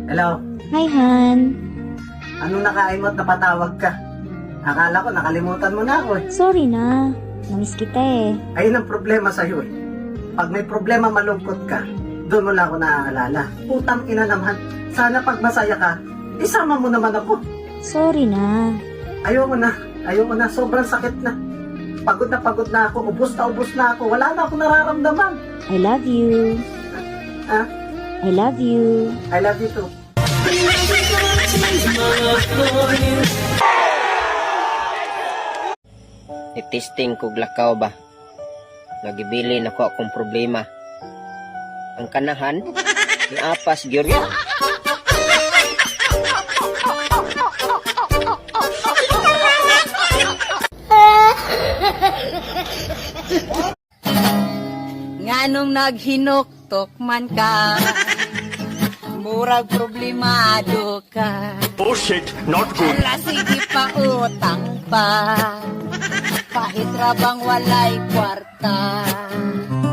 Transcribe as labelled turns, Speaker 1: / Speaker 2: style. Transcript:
Speaker 1: Hello?
Speaker 2: Hi, Han.
Speaker 1: Anong nakain mo at napatawag ka? Akala ko nakalimutan mo na ako eh.
Speaker 2: Sorry na. Namiss kita eh.
Speaker 1: Ayun ang problema sa'yo eh. Pag may problema malungkot ka, doon mo lang ako naaalala. Putang ina naman. Sana pag masaya ka, isama mo naman ako.
Speaker 2: Sorry na.
Speaker 1: Ayoko na. Sobrang sakit na. Pagod na ako. Ubus na ako. Wala na akong nararamdaman.
Speaker 2: I love you.
Speaker 1: Ha?
Speaker 2: I love you.
Speaker 1: I love you too.
Speaker 3: Itisting kog lakaw ba? Nagibili na ko akong problema. Ang kanahan, niapas gyud.
Speaker 4: Nganong naghinuktok man ka, murag problemado ka.
Speaker 5: Oh shit, not good.
Speaker 4: Ala sige pa utang pa, kahit rabang walay kwarta.